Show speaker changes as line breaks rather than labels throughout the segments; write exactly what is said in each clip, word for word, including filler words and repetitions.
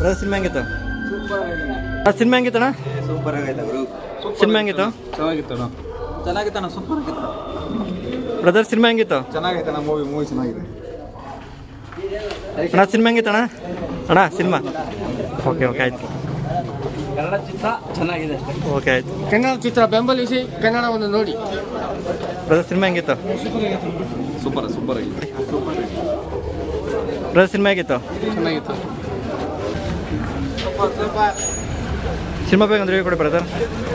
Brother cinema ಹೆಂಗಿತ್ತು? Cinema ಹೆಂಗಿತ್ತಣ್ಣ?
Super ಆಗೈತೆ ಬ್ರೋ.
ಸಿನಿಮಾ ಹೆಂಗಿತ್ತು?
ಚೆನ್ನಾಗಿತ್ತಣ್ಣ ಚೆನ್ನಾಗಿತ್ತಣ್ಣ ಸೂಪರ್ ಆಗಿತ್ತು.
ಬ್ರದರ್ ಸಿನಿಮಾ ಹೆಂಗಿತ್ತು?
ಚೆನ್ನಾಗೈತಣ್ಣ ಮೂವಿ ಮೂವಿ ಚೆನ್ನಾಗಿದೆ
ಅಣ್ಣ. ಸಿನಿಮಾ ಹೆಂಗಿತ್ತಣ್ಣ? ಅಣ್ಣ ಸಿನಿಮಾ ಓಕೆ ಓಕೆ ಆಯ್ತು.
ಕನ್ನಡ ಚಿತ್ರ ಚೆನ್ನಾಗಿದೆ ಅಷ್ಟೇ.
ಓಕೆ ಆಯ್ತು.
ಕನ್ನಡ ಚಿತ್ರ ಬೆಂಬಲಿಸಿ ಕನ್ನಡವನ್ನು ನೋಡಿ.
ಬ್ರದರ್ ಸಿನಿಮಾ ಹೆಂಗಿತ್ತು?
ಸೂಪರ್ ಸೂಪರ್ ಆಗಿದೆ.
ಬ್ರದರ್ ಸಿನಿಮಾ ಹೇಗಿತ್ತು?
ಚೆನ್ನಾಗಿತ್ತು.
ಸಿನಿಮಾ ಬೇಕಂದ್ರೆ ಹೇಳಿ ಕೊಡಿ ಬ್ರದರ್.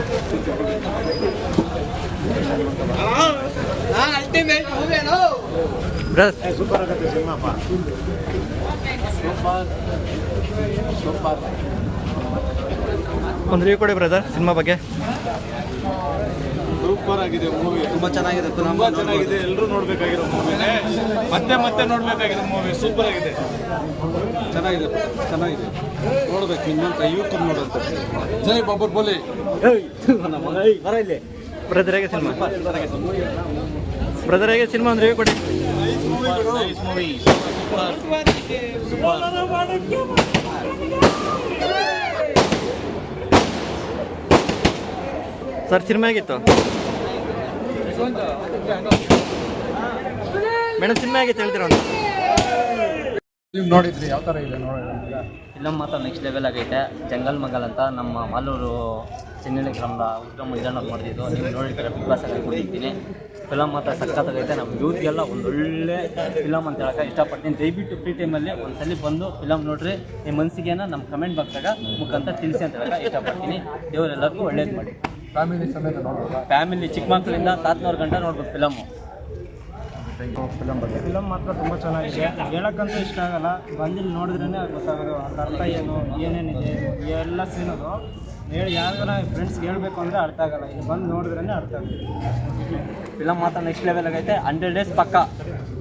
ಬ್ರದರ್
ಸೂಪರ್ ಆಗುತ್ತೆ ಸಿನಿಮಾಪ್ಪ. ಸೂಪರ್ ಸೂಪರ್
ಒಂದು ರಿವ್ಯೂ ಕೊಡಿ ಬ್ರದರ್ ಸಿನಿಮಾ ಬಗ್ಗೆ.
ಸೂಪರ್ ಆಗಿದೆ ಮೂವಿ. ತುಂಬಾ ಚೆನ್ನಾಗಿದೆ. ತುಂಬಾ ಚೆನ್ನಾಗಿದೆ. ಎಲ್ಲರೂ ನೋಡ್ಬೇಕಾಗಿರೋ ಮೂವಿನೇ. ಮತ್ತೆ ಮತ್ತೆ ನೋಡ್ಬೇಕಾಗಿರೋ ಮೂವಿ. ಸೂಪರ್ ಆಗಿದೆ. ಚೆನ್ನಾಗಿದೆ ಚೆನ್ನಾಗಿದೆ. ನೋಡ್ಬೇಕು ಇನ್ನೊಂದು ಐವತ್ತು ನೋಡಂತ. ಜೈ ಬಾಬರ್ ಬೋಲಿ.
ಬ್ರದರ್ ಹೇಗೆ ಸಿನಿಮಾ? ಬ್ರದರ್ ಹೇಗೆ ಸಿನಿಮಾ ಒಂದು ರಿವ್ಯೂ ಕೊಡಿ. ಸರ್ ಸಿನಿಮಾ ಹೇಗಿತ್ತು? ಮೇಡಮ್ ಸಿನಿಮಾ ಹೇಗಿತ್ತು ಹೇಳ್ತೀರಾ? ಒಂದು
ನೀವು ನೋಡಿದ್ರಿ ಯಾವ ಥರ ಇದೆ ನೋಡಿ?
ಫಿಲಮ್ ಮಾತ್ರ ನೆಕ್ಸ್ಟ್ ಲೆವೆಲ್ ಆಗೈತೆ. ಜಂಗಲ್ ಮಂಗಲ್ ಅಂತ ನಮ್ಮ ಮಾಲೂರು ಚೆನ್ನಳ್ಳಿ ಗ್ರಾಮದ ಉತ್ತಮ ಇದನ್ನು ಮಾಡಿದ್ದು ನೀವು ನೋಡಿರ್ತೀರ. ಬಿಗ್ ಬಾಸ್ ಆಗಿ ಕೊಟ್ಟಿದ್ದೀನಿ. ಫಿಲಮ್ ಮಾತ್ರ ಸಖತ್ತಾಗೈತೆ. ನಮ್ಮ ಯೂತ್ಗೆಲ್ಲ ಒಂದೊಳ್ಳೆ ಫಿಲಮ್ ಅಂತ ಹೇಳಕ್ಕೆ ಇಷ್ಟಪಡ್ತೀನಿ. ದಯವಿಟ್ಟು ಫ್ರೀ ಟೈಮಲ್ಲಿ ಒಂದ್ಸಲಿ ಬಂದು ಫಿಲಮ್ ನೋಡ್ರಿ. ನಿಮ್ಮ ಮನಸ್ಸಿಗೇನ ನಮ್ಮ ಕಮೆಂಟ್ ಬಾಕ್ಸಾಗ ಮುಖಾಂತರ ತಿಳಿಸಿ ಅಂತ ಹೇಳಕ್ಕೆ ಇಷ್ಟಪಡ್ತೀನಿ. ದೇವರೆಲ್ಲರಿಗೂ ಒಳ್ಳೇದು ಮಾಡಿ.
ಫ್ಯಾಮಿಲಿ ಸಮೇತ ನೋಡ್ಬೋದಾ?
ಫ್ಯಾಮಿಲಿ ಚಿಕ್ಕ ಮಕ್ಕಳಿಂದ ತಾತನವ್ರ ಗಂಟ ನೋಡ್ಬೋದು ಫಿಲಮ್ಮು.
ಫಿಲಮ್ ಬಗ್ಗೆ
ಫಿಲಮ್ ಮಾತ್ರ ತುಂಬ ಚೆನ್ನಾಗಿದೆ. ಹೇಳೋಕ್ಕಂತೂ ಇಷ್ಟ ಆಗಲ್ಲ. ಬಂದಿಲ್ಲಿ ನೋಡಿದ್ರೇ ಗೊತ್ತಾಗೋದು ಅದ್ರ ಅರ್ಥ ಏನು ಏನೇನಿದೆ ಎಲ್ಲ ಸೀನೋದು. ಹೇಳಿ ಯಾವ್ದಾರ ಫ್ರೆಂಡ್ಸ್ಗೆ ಹೇಳಬೇಕು ಅಂದರೆ ಅರ್ಥ ಆಗಲ್ಲ. ಇಲ್ಲಿ ಬಂದು ನೋಡಿದ್ರೇ ಅರ್ಥ ಆಗುತ್ತೆ.
ಫಿಲಮ್ ಮಾತ್ರ ನೆಕ್ಸ್ಟ್ ಲೆವೆಲ್ ಆಗೈತೆ. ಹಂಡ್ರೆಡ್ ಡೇಸ್ ಪಕ್ಕ